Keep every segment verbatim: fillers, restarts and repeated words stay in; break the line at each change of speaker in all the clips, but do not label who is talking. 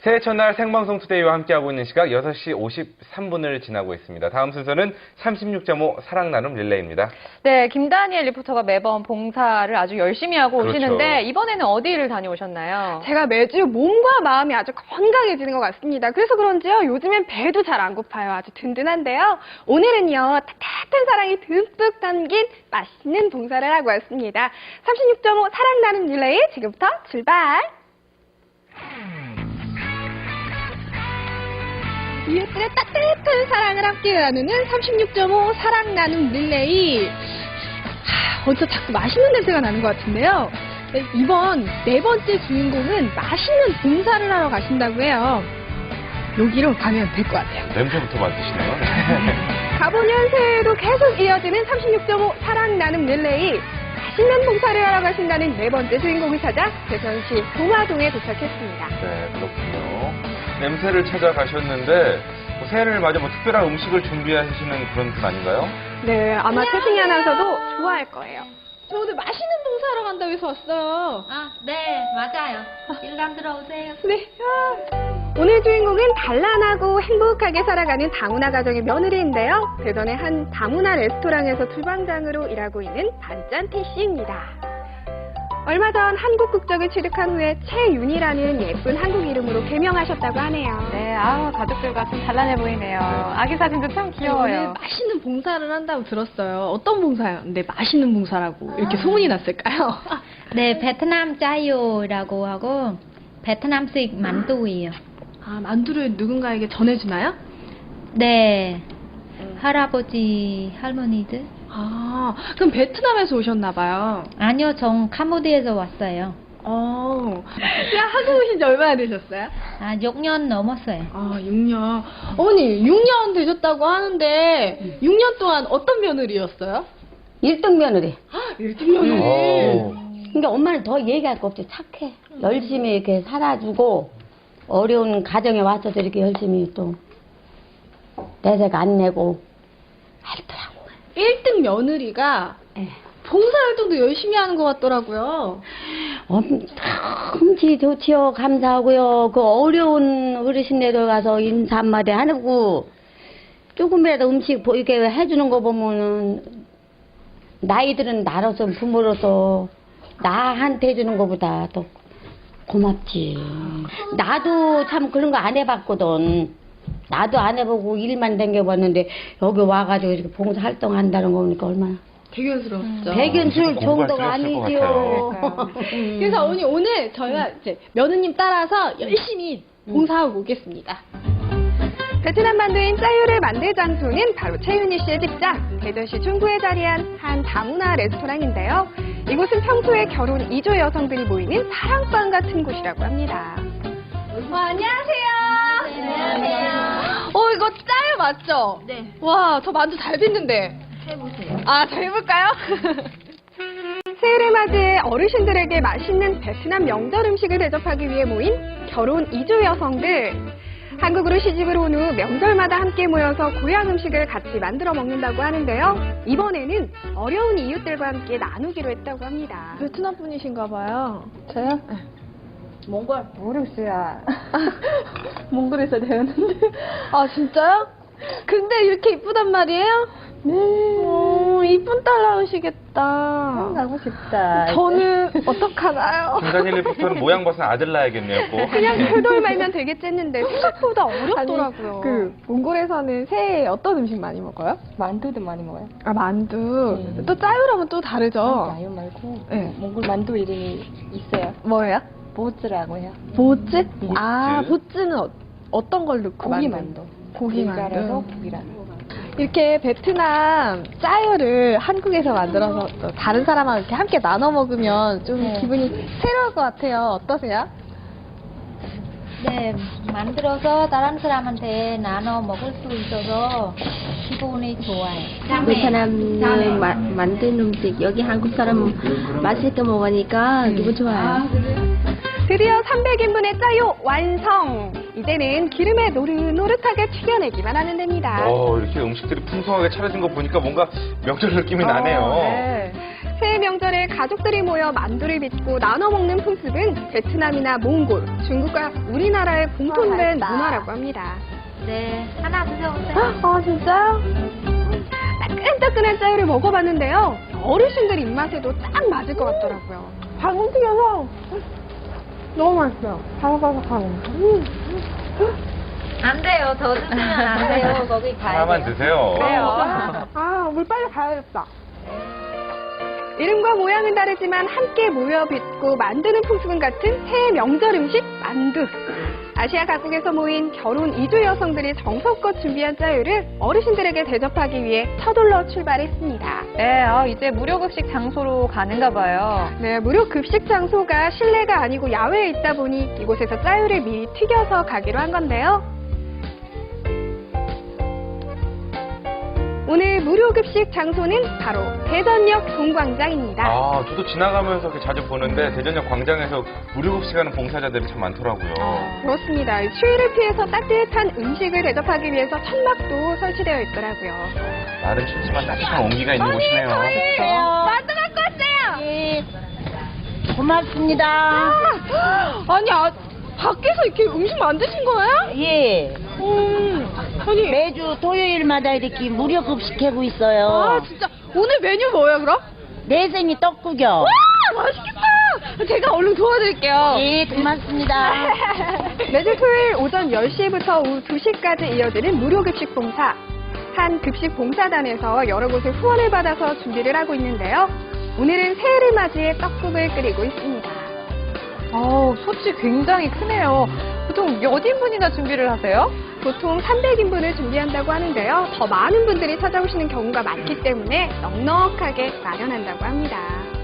새해 첫날 생방송 투데이와 함께하고 있는 시각 여섯 시 오십삼 분을 지나고 있습니다. 다음 순서는 삼십육 점 오 사랑 나눔 릴레이입니다.
네, 김다니엘 리포터가 매번 봉사를 아주 열심히 하고
그렇죠.
오시는데 이번에는 어디를 다녀오셨나요?
제가 매주 몸과 마음이 아주 건강해지는 것 같습니다. 그래서 그런지요, 요즘엔 배도 잘 안 고파요. 아주 든든한데요. 오늘은요, 따뜻한 사랑이 듬뿍 담긴 맛있는 봉사를 하고 왔습니다. 삼십육 점 오 사랑 나눔 릴레이 지금부터 출발! 이웃들의 따뜻한 사랑을 함께 나누는 삼십육 점 오 사랑 나눔 릴레이. 하, 어디서 자꾸 맛있는 냄새가 나는 것 같은데요. 네, 이번 네 번째 주인공은 맛있는 봉사를 하러 가신다고 해요. 여기로 가면 될 것 같아요.
냄새부터 맡으시네요.
가보년 새해에도 계속 이어지는 삼십육 점 오 사랑 나눔 릴레이. 맛있는 봉사를 하러 가신다는 네 번째 주인공을 찾아 대전시 동화동에 도착했습니다.
네, 그렇군요. 냄새를 찾아가셨는데 뭐 새해를 맞아 뭐 특별한 음식을 준비하시는 그런 분 아닌가요?
네, 아마 최승희 아나운서도 좋아할 거예요. 저 오늘 맛있는 봉사하러 간다고 해서 왔어요.
아, 네, 맞아요. 일단 들어오세요.
네. 오늘 주인공은 단란하고 행복하게 살아가는 다문화 가정의 며느리인데요. 대전의 한 다문화 레스토랑에서 주방장으로 일하고 있는 반짠태 씨입니다. 얼마 전 한국 국적을 취득한 후에 최윤이라는 예쁜 한국 이름으로 개명하셨다고 하네요.
네, 아 가족들과 좀 단란해 보이네요. 아기 사진도 참
오늘
귀여워요.
맛있는 봉사를 한다고 들었어요. 어떤 봉사요? 근데 맛있는 봉사라고 이렇게 소문이 났을까요?
네, 베트남 짜요라고 하고 베트남식 만두예요.
아, 만두를 누군가에게 전해주나요?
네, 할아버지, 할머니들.
아, 그럼 베트남에서 오셨나봐요.
아니요, 전 캄보디아에서 왔어요.
어, 야, 한국 오신 지 얼마나 되셨어요?
아, 육 년 넘었어요.
아, 육 년. 어머니, 육 년 되셨다고 하는데, 육 년 동안 어떤 며느리였어요?
일 등 며느리.
일 등 며느리.
오.
그러니까 엄마는 더 얘기할 거 없지. 착해. 열심히 이렇게 살아주고, 어려운 가정에 와서도 이렇게 열심히 또, 내색 안 내고, 하더라고.
일 등 며느리가
예.
봉사활동도 열심히 하는 것 같더라고요.
엄지 좋지요. 감사하고요. 그 어려운 어르신네들 가서 인사 한마디 하고, 조금이라도 음식 보- 이렇게 해주는 거 보면은, 나이들은 나로서 부모로서 나한테 해주는 것보다 더 고맙지. 나도 참 그런 거 안 해봤거든. 나도 안 해보고 일만 댕겨봤는데 여기 와가지고 이렇게 봉사활동 한다는 거 보니까 얼마나
대견스럽죠.
대견스러울
공부할
정도가
필요 없을 것
아니지요.
그러니까요. 그래서 어머니 오늘 저희가 이제 며느님 따라서 열심히 봉사하고 오겠습니다. 베트남 만두인 짜유를 만들 장소는 바로 최윤희 씨의 직장, 대전시 중구에 자리한 한 다문화 레스토랑인데요. 이곳은 평소에 결혼 이 조 여성들이 모이는 사랑방 같은 곳이라고 합니다. 와, 안녕하세요.
안녕하세요.
어, 이거 짜유 맞죠?
네.
와, 저 만두 잘 빚는데.
해보세요.
아, 저 해볼까요? 새해를 맞이해 어르신들에게 맛있는 베트남 명절 음식을 대접하기 위해 모인 결혼 이 조 여성들. 한국으로 시집을 온 후 명절마다 함께 모여서 고향 음식을 같이 만들어 먹는다고 하는데요. 이번에는 어려운 이웃들과 함께 나누기로 했다고 합니다. 베트남 분이신가 봐요. 저요?
몽골 모르겠어요.
몽골에서 배웠는데. 아, 진짜요? 근데 이렇게 이쁘단 말이에요? 네. 오, 이쁜 딸 나오시겠다.
가고 싶다.
저는 어떡하나요?
김다니엘 리포터는 모양 봐서 아들 낳아야겠네요, 꼭.
그냥 돌돌 말면 되겠지 했는데 생각보다 어렵더라고요.
그 몽골에서는 새해에 어떤 음식 많이 먹어요?
만두도 많이 먹어요.
아 만두.
네.
또 짜유랑은 또 다르죠?
자유 말고
네.
몽골 만두 이름이 있어요.
뭐예요?
보츠라고 해요.
보츠? 아
보츠.
보츠는 어, 어떤 걸 넣고
고기
만든-
만두.
고기
밀가루로
만두.
고기랑.
이렇게 베트남 짜유를 한국에서 만들어서 또 다른 사람하고 이렇게 함께 나눠 먹으면 좀
네.
기분이 새로울 것 같아요. 어떠세요?
네, 만들어서 다른 사람한테 나눠 먹을 수 있어서 기분이 좋아요.
베트남 마, 만든 음식 여기 한국 사람 맛있게 먹으니까 기분 좋아요.
드디어 삼백 인분의 짜요 완성! 이제는 기름에 노릇노릇하게 튀겨내기만 하면 됩니다.
어, 이렇게 음식들이 풍성하게 차려진 거 보니까 뭔가 명절 느낌이 나네요.
어, 네. 새해 명절 명절에 가족들이 모여 만두를 빚고 나눠 먹는 풍습은 베트남이나 몽골, 중국과 우리나라의 공통된 문화라고 합니다.
네, 하나 드셔보세요.
아, 진짜요?
따끈따끈한 짜유를 먹어봤는데요. 어르신들 입맛에도 딱 맞을 것 같더라고요.
방금 튀겨서 너무 맛있어요. 바삭바삭하고. 음.
안 돼요. 더 드시면 안 돼요. 거기 가야
하나만
돼요.
드세요.
아, 물 빨리 가야겠다.
이름과 모양은 다르지만 함께 모여 빚고 만드는 풍습은 같은 새해 명절 음식 만두. 아시아 각국에서 모인 결혼 이주 여성들이 정성껏 준비한 짜유를 어르신들에게 대접하기 위해 서둘러 출발했습니다.
네, 아, 이제 무료급식 장소로 가는가 봐요.
네, 무료 급식 장소가 실내가 아니고 야외에 있다 보니 이곳에서 짜유를 미리 튀겨서 가기로 한 건데요. 오늘 무료 급식 장소는 바로 대전역 동광장입니다.
아, 저도 지나가면서 이렇게 자주 보는데 대전역 광장에서 무료급식하는 봉사자들이 참 많더라고요.
그렇습니다. 추위를 피해서 따뜻한 음식을 대접하기 위해서 천막도 설치되어 있더라고요.
나름 춥지만 따뜻한 온기가 있는 곳이네요.
만두 갖고 왔어요.
예. 고맙습니다.
아니, 아, 밖에서 이렇게 음식 만드신 거예요?
예.
음, 아니,
매주 토요일마다 이렇게 무료 급식하고 있어요.
아, 진짜 오늘 메뉴 뭐예요, 그럼?
내생이 떡국이요.
와, 맛있겠다. 제가 얼른 도와드릴게요.
예, 고맙습니다.
매주 토요일 오전 열 시부터 오후 두 시까지 이어지는 무료 급식 봉사. 한 급식 봉사단에서 여러 곳의 후원을 받아서 준비를 하고 있는데요. 오늘은 새해를 맞이해 떡국을 끓이고 있습니다.
어우, 솥이 굉장히 크네요. 보통 몇 인분이나 준비를 하세요?
보통 삼백 인분을 준비한다고 하는데요. 더 많은 분들이 찾아오시는 경우가 많기 때문에 넉넉하게 마련한다고 합니다.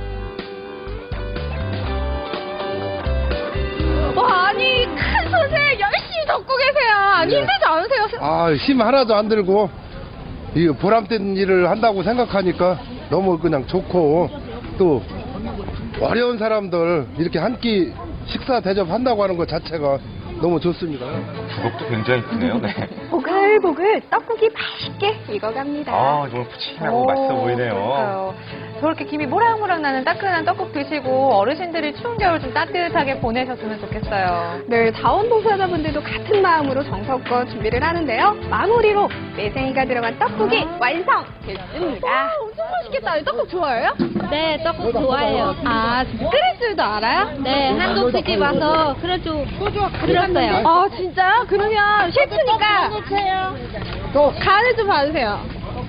와, 아니, 큰 솥에 열심히 덮고 계세요. 아니,
네.
힘들지 않으세요?
아, 힘 하나도 안 들고 이 보람된 일을 한다고 생각하니까 너무 그냥 좋고 또 어려운 사람들 이렇게 한 끼 식사 대접한다고 하는 것 자체가 너무 좋습니다.
주걱도 굉장히 크네요. 네.
보글보글 떡국이 맛있게 익어갑니다.
아, 정말 푸짐하고 맛있어 보이네요.
그러니까요. 저렇게 김이 모락모락 나는 따끈한 떡국 드시고 어르신들이 추운 겨울 좀 따뜻하게 보내셨으면 좋겠어요.
네, 자원봉사자분들도 같은 마음으로 정성껏 준비를 하는데요. 마무리로 매생이가 들어간 떡국이 완성됐습니다. 엄청 맛있겠다. 떡국 좋아해요?
네, 떡국 좋아해요.
아, 끓일 줄도 알아요?
네, 한국 시집 와서 그럴 줄 들었어요.
아, 진짜요? 그러면 셰프니까 또 간을 좀 봐주세요.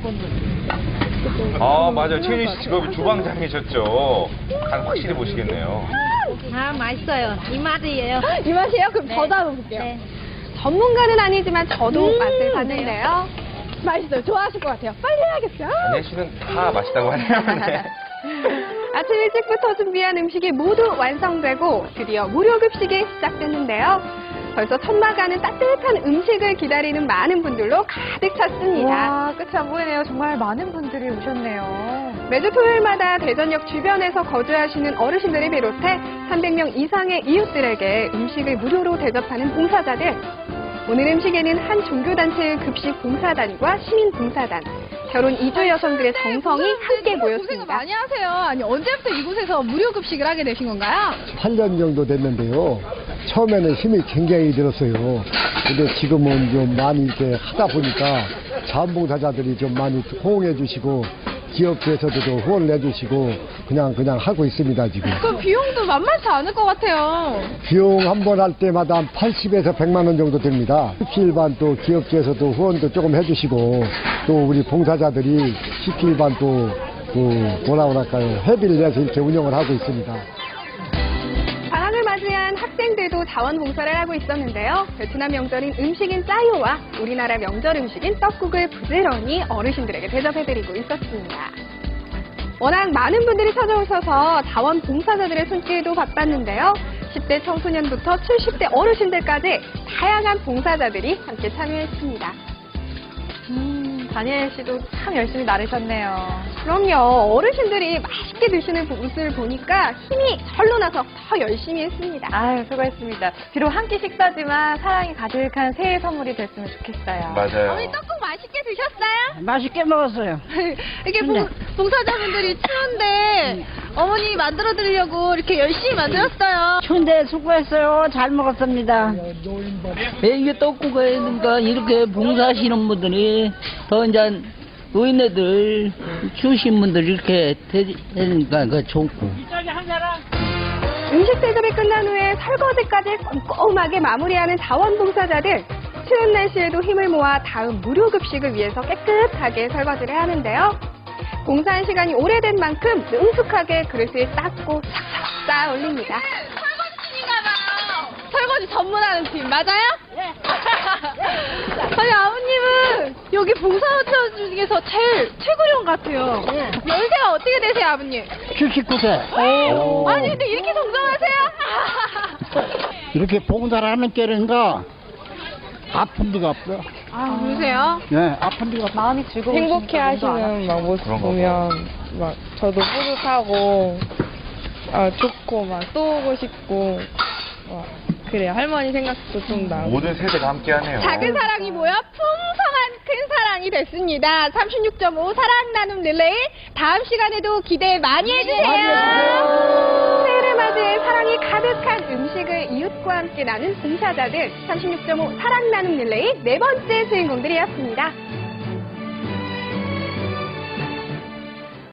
아, 맞아요. 최윤희 씨 직업이 주방장이셨죠. 간 확실히 보시겠네요.
아, 맛있어요. 이 맛이에요.
이 맛이에요? 그럼
네.
더 담아볼게요.
네.
전문가는 아니지만 저도
음,
맛을 봤는데요. 맛있어요. 좋아하실 것 같아요. 빨리 해야겠어요.
안혜 씨는 다 맛있다고 하네요. 네.
아침 일찍부터 준비한 음식이 모두 완성되고 드디어 무료 급식이 시작됐는데요. 벌써 천막 안은 따뜻한 음식을 기다리는 많은 분들로 가득 찼습니다.
와, 끝이 안 보이네요. 정말 많은 분들이 오셨네요.
매주 토요일마다 대전역 주변에서 거주하시는 어르신들을 비롯해 삼백 명 이상의 이웃들에게 음식을 무료로 대접하는 봉사자들. 오늘 음식에는 한 종교단체의 급식 봉사단과 시민봉사단, 결혼 이주 여성들의 정성이 함께 모였습니다.
고생 많이 하세요. 아니, 언제부터 이곳에서 무료 급식을 하게 되신 건가요?
팔 년 정도 됐는데요. 처음에는 힘이 굉장히 들었어요. 근데 지금은 좀 많이 이렇게 하다 보니까 자원봉사자들이 좀 많이 호응해 주시고 기업체에서도 좀 후원을 해주시고 그냥 그냥 하고 있습니다 지금.
그 비용도 만만치 않을 것 같아요.
비용 한 번 할 때마다 한 팔십에서 백만 원 정도 듭니다. 십시일반 또 기업체에서도 후원도 조금 해주시고 또 우리 봉사자들이 십시일반 또 그 뭐라 그럴까요 회비를 내서 이렇게 운영을 하고 있습니다.
방학을 맞이한 학생들도 자원봉사를 하고 있었는데요. 베트남 명절인 음식인 짜요와 우리나라 명절 음식인 떡국을 부지런히 어르신들에게 대접해드리고 있었습니다. 워낙 많은 분들이 찾아오셔서 자원봉사자들의 손길도 바빴는데요. 십 대 청소년부터 칠십 대 어르신들까지 다양한 봉사자들이 함께 참여했습니다.
음, 다니엘 씨도 참 열심히 나르셨네요.
그럼요. 어르신들이 맛있게 드시는 모습을 보니까 힘이 절로 나서 더 열심히 했습니다.
아유, 수고했습니다. 비록 한 끼 식사지만 사랑이 가득한 새해 선물이 됐으면 좋겠어요.
맞아요.
어머니 떡국 맛있게 드셨어요?
맛있게 먹었어요.
이게 봉, 봉사자분들이 추운데 어머니 만들어 드리려고 이렇게 열심히 만들었어요.
추운데 수고했어요. 잘 먹었습니다.
예, 이게 떡국이니까 이렇게 봉사하시는 분들이 더 이제 노인네들, 추우신 분들 이렇게 되니까 그 좋고.
음식 대접이 끝난 후에 설거지까지 꼼꼼하게 마무리하는 자원봉사자들. 추운 날씨에도 힘을 모아 다음 무료급식을 위해서 깨끗하게 설거지를 하는데요. 봉사한 시간이 오래된 만큼 능숙하게 그릇을 닦고 싹싹 쌓아 올립니다.
설거지 전문하는 팀 맞아요? 네. 아니 아버님은 여기 봉사자 중에서 제일 최고령 같아요. 네. 연세가 어떻게 되세요 아버님?
칠십구 세.
오. 아니 근데 이렇게 동정하세요?
이렇게 봉사를 하는 게인가 아픈 데가 없어요.
아 그러세요?
네, 아픈 데가 없어요.
마음이 즐거워.
행복해 하시는 막 모습 보면 막 저도 뿌듯하고 아, 좋고 막 또 오고 싶고 막 그래요. 할머니 생각도 좀 나고.
모든 세대가 함께하네요.
작은 사랑이 모여 풍성한 큰 사랑이 됐습니다. 삼십육 점 오 사랑 나눔 릴레이 다음 시간에도 기대 많이 해주세요. 새해를 맞이해 사랑이 가득한 음식을 이웃과 함께 나눈 봉사자들 삼십육 점 오 사랑 나눔 릴레이 네 번째 주인공들이었습니다.